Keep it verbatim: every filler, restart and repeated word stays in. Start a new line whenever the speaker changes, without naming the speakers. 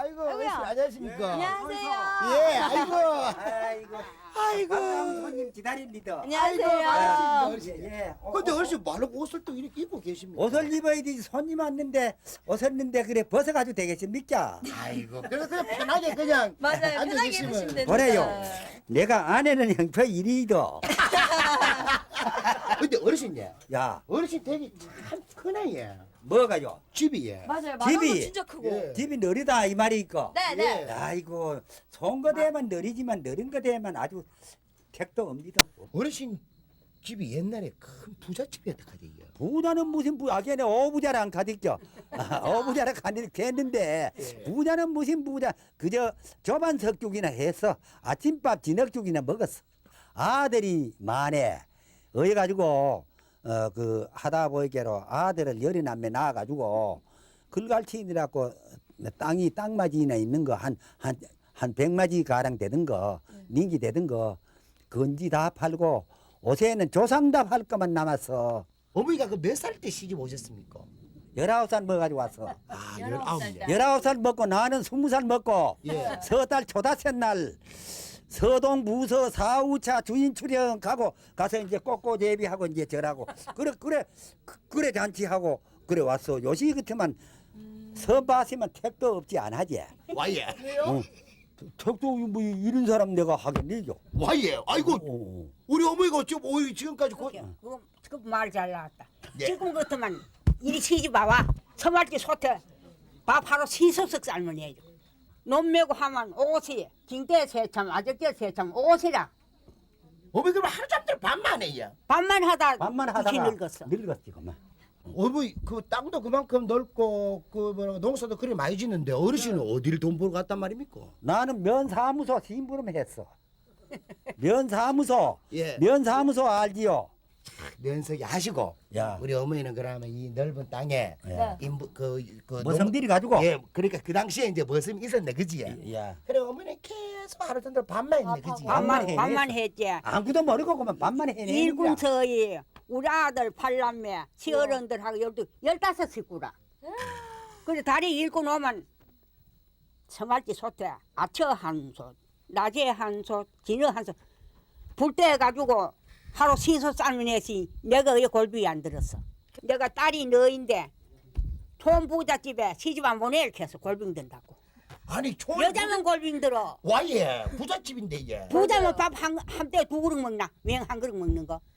아이고,
아이고야.
어르신 안녕하십니까?
안녕하세요.
예, 아이고.
아이고,
아이고.
반가운 손님 기다립니다.
안녕하세요.
아이고, 반갑습니다, 어르신.
예, 예. 어,
근데
어,
어르신 말로 옷을 또 이렇게 입고 계십니까?
옷을 입어야지 손님 왔는데 옷었는데 그래 벗어가지고 되겠습니까?
아이고, 그래서 그냥 편하게 그냥
맞아요.
앉아
편하게
계시면.
입으시면 됩니다.
그래요. 내가 아내는 형표 일이도.
근데 어르신 예,
야,
어르신 되게 참 크네 예.
뭐가요?
집이 예.
맞아요.
집이-
마당도 진짜 크고.
예.
집이 느리다 이 말이 있고.
네, 네.
예.
아이고, 좋은 거 되면 느리지만 느린 거 되면 아주 택도 옵니다.
어르신 집이 옛날에 큰 부잣집이었다 카대요.
부자는 무슨 부, 아게네 오부자랑 가득죠. 아, 오부자랑 가득했는데
예.
부자는 무슨 부자, 그저 저반 석죽이나 해서 아침밥 진흙죽이나 먹었어. 아들이 많네. 어여가지고 어 그 하다 보이게로 아들을 열이 남매 낳아가지고 글갈치이라고 땅이 땅마지나 있는 거 한 한 한 백마지 가량 되던 거 닌기 되던 거 건지 다 팔고 옷에는 조상답 할 것만 남았어.
어머니가 그 몇 살 때 시집 오셨습니까?
열아홉 살 먹어가지고 왔어.
아,
열아홉
열아홉
살
년.
때.
열아홉 살 먹고 나는 스무 살 먹고
예.
서달 초다새 날 서동 무서 사우차 주인 출연 가고 가서 이제 꽃고 제비하고 이제 절하고 그래 그래 그- 그래 잔치하고 그래 왔어. 요시 같으면 선바시면 택도 없지 않하지.
와예.
어. 택도 뭐 이런 사람 내가 하겠니요.
와예. 아이고
어.
우리 어머니가 좀 오이 지금까지 고...
그거 지금 말 잘 나왔다.
예.
지금 같으면 이리 시집 와와 서말기 소태 밥 하루 시소석 삶은 해줘. 논 메고 하면 옷이 진대 세참 아저께 세참 옷이라
어머니 그럼 하루 종일 밥만 해요.
밥만 하다
밥만
그렇게
하다가
늙었어.
늙었지 그만.
어머니 그 땅도 그만큼 넓고 그 뭐라 농사도 그리 많이 짓는데 어르신은 어디를 돈 벌고 갔단 말입니까?
나는 면사무소 심부름 했어. 면사무소.
예.
면사무소 알지요?
면석이 하시고
야.
우리 어머니는 그러면 이 넓은 땅에
야.
인부 그그
머슴들이 가지고.
예 그러니까 그 당시에 이제 머슴이 있었네 그지?
야.
그래 어머니 계속 하루 종일 밥만 했네 그지?
밥만
밥만
해냈어.
밥만 했지.
아무도 모르고 그만 밥만 해내는 거야.
일군서이 우리 아들 팔남매 시어른들하고 열두 열다섯 식구라. 그래 다리 일군 오면 서말기 소태 아처 한솥 낮에 한솥 진어 한솥 불때 해가지고 하루 시소 삶은 애시 내가 왜 골비에 안 들었어. 내가 딸이 너인데 촌 부잣집에 시집 안 보내 이렇게 해서 골빙 든다고.
아니 촌
여자는 골빙 들어.
와예 부잣집인데 예.
부자면 밥 한 한 때 두 그릇 먹나? 맹 한 그릇 먹는 거.